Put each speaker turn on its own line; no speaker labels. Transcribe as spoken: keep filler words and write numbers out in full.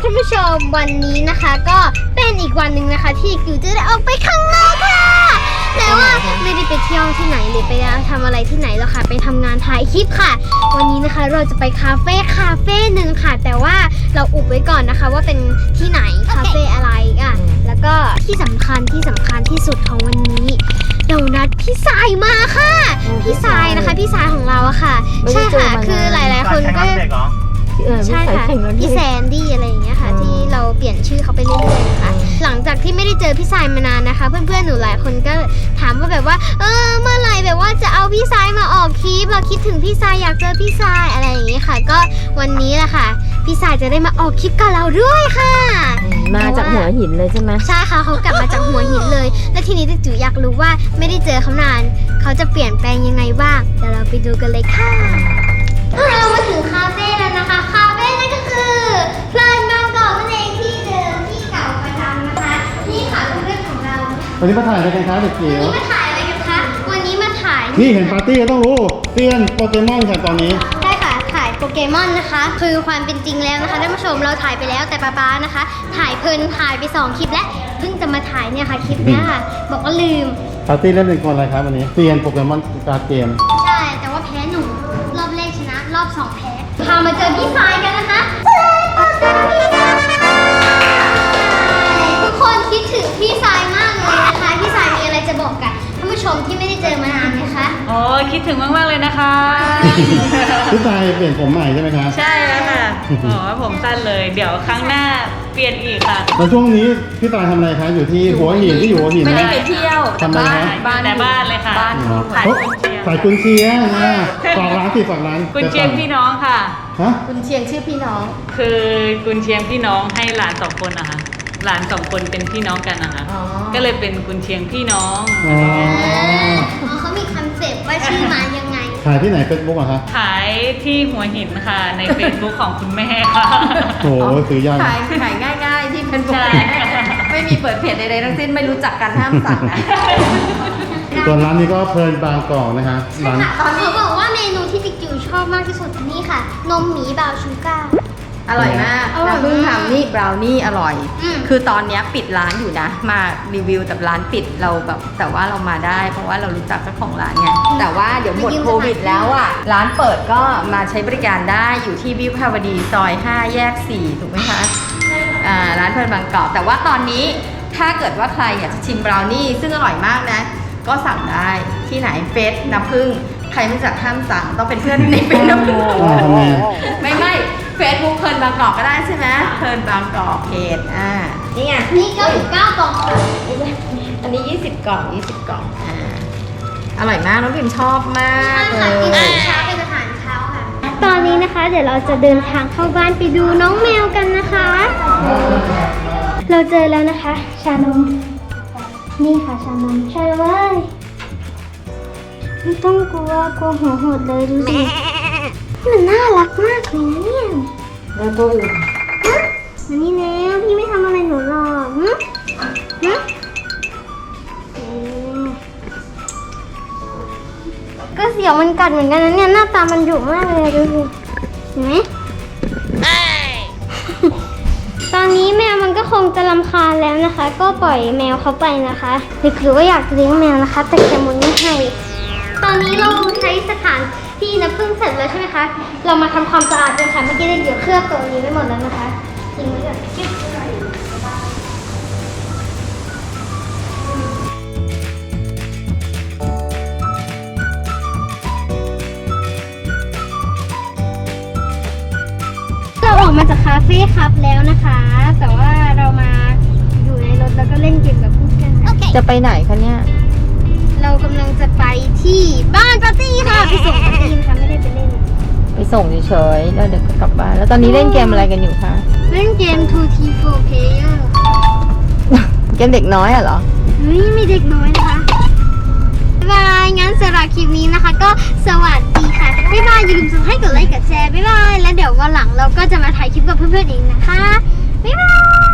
คุณผู้ชมวันนี้นะคะก็เป็นอีกวันหนึ่งนะคะที่กิวจะได้ออกไปข้างนอกค่ะแต่ว่าไม่ได้ไปเที่ยวที่ไหนหรือไปทำอะไรที่ไหนแล้วค่ะไปทำงานถ่ายคลิปค่ะวันนี้นะคะเราจะไปคาเฟ่คาเฟ่หนึ่งค่ะแต่ว่าเราอุบไว้ก่อนนะคะว่าเป็นที่ไหนคาเฟ่อะไรอ่ะแล้วก็ที่สำคัญที่สำคัญที่สุดของวันนี้เรานัดพี่สายมาค่ะพี่สายนะคะพี่สายของเราอะค่ะใช่ค่ะคือหลายๆคนก็ใช่ค่ะพี่แซนดี้อะไรอย่างเงี้ยค่ะที่เราเปลี่ยนชื่อเขาไปเรื่อยๆนะคะหลังจากที่ไม่ได้เจอพี่สายมานานนะคะเพื่อนๆหนูหลายคนก็ถามว่าแบบว่าเออเมื่อไหร่แบบว่าจะเอาพี่สายมาออกคลิปเราคิดถึงพี่สายอยากเจอพี่สายอะไรอย่างเงี้ยค่ะก็วันนี้แหละค่ะพี่สายจะได้มาออกคลิปกับเราด้วยค่ะ
มาจากหัวหินเลยใช่ไหม
ใช่ค่ะเขากลับมาจากหัวหินเลยและทีนี้จิ๋วอยากรู้ว่าไม่ได้เจอเขานานเขาจะเปลี่ยนแปลงยังไงบ้างเดี๋ยวเราไปดูกันเลยค่ะเรามาถึงคาเฟ่แล้วนะคะคาเฟ่นั่นก็คือเพลินบางกอกนั่นเองที่เดิมที่เก่าประจำนะคะนี่ค่ะเพื่อนของเรา
วันนี้มาถ่ายอะไรกันคะเด็กจิ๋ว
วันนี้มาถ่ายอะไรกันคะวันนี้มาถ่าย
นี่เห็นปาร์ตี้ก็ต้องรู้เตี้ยนโปเกมอนค่ะตอนนี้
ใช่ค่ะถ่ายโปเกมอนนะคะคือความเป็นจริงแล้วนะคะท่านผู้ชมเราถ่ายไปแล้วแต่ป๊าป๊านะคะถ่ายเพลินถ่ายไปสองคลิปแล้วเพิ่งจะมาถ่ายเนี่ยค่ะคลิปเนี้ยค่ะบอกว่าลืม
ปาร์ตี้เล่นเป็นคนอะไรครับวันนี้เตี้ยนโปเกมอนการ์ดเกม
ใช่แต่ว่าแพ้หนูรอบแรกชนะรอบสองแพ้พามาเจอพี่สายกันนะคะทุกคนคิดถึงพี่สายมากเลยนะคะพี่สายมีอะไรจะบอกกับท่านผู้ชมที่ไม่ได้เจอมานานไหมคะ
โอ้คิดถึงมากๆเลยนะคะ
พี่สายเปลี่ยนผมใหม่ใช่ไหมคะ
ใช่แล้วค่ะอ๋อผมสั้นเลยเดี๋ยวครั้งหน้าเปลี่ยนอีกค่ะ
แล้วช่วงนี้พี่สายทำอะไรคะอยู่ที่หัวหินที่อยู่หัวหิน
ไม่ได้ไปเที่ยว
ทำอะไรคะ
บ้านแต่บ้านเลยค่ะบ้าน
ขายกุนเชียงขายกุนเชียงนะฝากร้านสิฝากร้าน
กุนเชียงพี่น้องค่ะ
ฮะ
กุนเชียงชื่อพี่น้องคือกุนเชียงพี่น้องให้หลานสองคนนะคะหลานสองคนเป็นพี่น้องกันนะคะก็เลยเป็นกุนเชียงพี่น้อง
อ๋อเขามีคอนเซ็ปต์ว่าชื่อมายังไง
ขายที่ไหนเฟซบุ๊กอะคะ
ขายที่หัวหินค่ะในเฟซบุ๊กของคุณแม่ค่ะ
โอ้โหซื้อยาก
ขายขายง่ายๆที่เป็นบุ๊กไม่มีเปิดเพจใดๆทั้งสิ้นไม่รู้จักกันห้ามสั่งนะ
ส่วนร้านนี้ก็เพลินบางกอกนะคะ
ร้านตอนนี้บอกว่าเมนูที่จิ๋วชอบมากที่สุดนี่ค่ะนมหมีบราวน์ชูการ์
อร่อยมากน้ำผึ้งทำนี่บราวนี่อร่อยคือตอนนี้ปิดร้านอยู่นะมารีวิวแต่ร้านปิดเราแบบแต่ว่าเรามาได้เพราะว่าเรารู้จักเจ้าของร้านไงแต่ว่าเดี๋ยวหมดโควิดแล้วอ่ะร้านเปิดก็มาใช้บริการได้อยู่ที่วิภาวดีซอยห้าแยกสี่ถูกไหมคะอ่าร้านเพลินบางกอกแต่ว่าตอนนี้ถ้าเกิดว่าใครอยากจะชิมบราวนี่ซึ่งอร่อยมากนะก็สั่งได้ที่ไหนเฟสน้ำผึ้งใครไม่จักห้ามสั่งต้องเป็นเพื่อนในเฟซน้ำผึ้งไม่ไม่เฟซบุ๊กเพลินบางกอกก็ได้ใช่ไหมเพลินบางกอกเพจอ่านี่ไง
นี่เก้าสิบเก้ากล่อง
อันนี้ยี่สิบกล่องยี่สิบกล่องอ่าอร่อยมากน้องพิมชอบมาก
เลยกินเช้าเป็นอาหารเช้าค่ะตอนนี้นะคะเดี๋ยวเราจะเดินทางเข้าบ้านไปดูน้องแมวกันนะคะเราเจอแล้วนะคะชานมนี่ค่ะชานมใช่เลยไม่ต้องกลัวกลัวหัวหดเลยดูสิมันน่ารักมากเลยนะเนี่ย
แล้วตัวอื่น
มานี่แล้วพี่ไม่ทำอะไรหนูหรอกฮึฮึก็เสียวมันกัดเหมือนกันนะเนี่ยหน้าตามันดุมากเลยดูสิเห็นไหมตอนนี้แมวมันก็คงจะรำคาญแล้วนะคะก็ปล่อยแมวเขาไปนะคะหรือว่าอยากเลี้ยงแมวนะคะแต่แกมุนไม่ให้ตอนนี้เราใช้สถานที่น้ำผึ้งเสร็จแล้วใช่ไหมคะเรามาทำความสะอาดกันค่ะเมื่อกี้ได้เกี่ยวเคลือบตรงนี้ไปหมดแล้วนะคะทิ้งไว้ก่อนเราออกมาจากคาเฟ่ครับแล้วนะคะแต่ว่าเรามาอยู่ในรถแล้วก็เล่นเกมกับเพื่อนๆ
จะไปไหนคะเนี่ย
เรากำลังจะไปที่บ้านปาร์ตี้ค่ะไปส่งปาร์ตี้นะคะไม่ได้ไปเล่น
ไปส่งเฉยๆแล้วเดี๋ยวก็กลับบ้านแล้วตอนนี้เล่นเกมอะไรกันอยู่คะ
เล่นเกม ทู ที โฟร์ player
เกมเด็กน้อยเหรอ
ไม่มีเด็กน้อยนะคะบ๊ายบายงั้นสำหรับคลิปนี้นะคะก็สวัสดีค่ะบ๊ายบายอย่าลืมให้กดไลค์กดแชร์บ๊ายบายแล้วเดี๋ยววันหลังเราก็จะมาถ่ายคลิปกับเพื่อนๆอีกนะคะบ๊ายบาย